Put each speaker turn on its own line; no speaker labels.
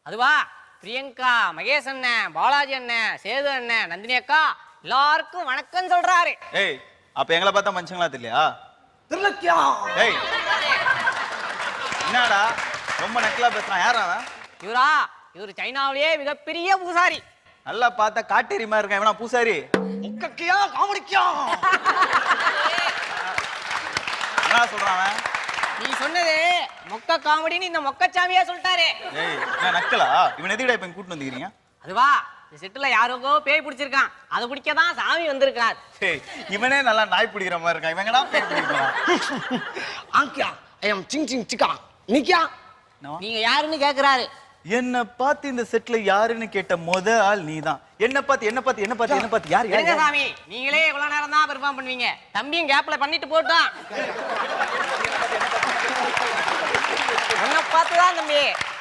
அதுவா பிரியங்கா, மகேஷ் அண்ணன், பாலாஜி அண்ணன், சேது அண்ணன், நந்தினி அக்கா எல்லாருக்கும் வணக்கம் சொல்றாரு.
ஏய் அப்ப எங்களை பார்த்தா மனுஷங்களா தெரியலையா?
திருலக்கியா
ஏய் என்னடா ரொம்ப நக்கலா பேசுறான்? யாரா அவன்?
இவரு சைனாவிலேயே மிகப்பெரிய பூசாரி.
நல்லா பார்த்தா காட்டேரி மாதிரி இருக்கான். இவனா பூசாரி?
முக்கக்கியா காமெடிக்கியா
என்ன சொல்றான் அவன்?
நீ சொன்னது மொக்க காமெடின்னு இந்த மொக்கச்சாமியா சொல்லிட்டாரு.
ஏய் நான் நக்கலா? இவன் எதுக்குடா இப்ப கூட்டு வந்துக்கிறீங்க?
அதுவா இந்த செட்டுல யாருக்கோ பேய் பிடிச்சிருக்கான், அதை பிடிக்கதான் சாமி வந்திருக்கார்.
ஏய் இவனே நல்லா நாய் பிடிக்கிற மாதிரி இருக்கான். இவங்கடா பேய் பிடிக்கிறான்?
ஆங்கியா ஐ அம் சிங் சிங் சிக்கா நிக்கியா
நீங்க யாருன்னு கேக்குறாரு.
என்ன பார்த்து இந்த செட்ல யாருன்னு கேட்ட முத ஆள் நீதான். என்ன பார்த்து யார்
இருங்க சாமி, நீங்களே இவ்வளவு நேரம் தான் பெர்ஃபார்ம் பண்ணுவீங்க. தம்பியும் கேப்ல பண்ணிட்டு போட்டான். உன்னை பார்த்துதான் தம்பி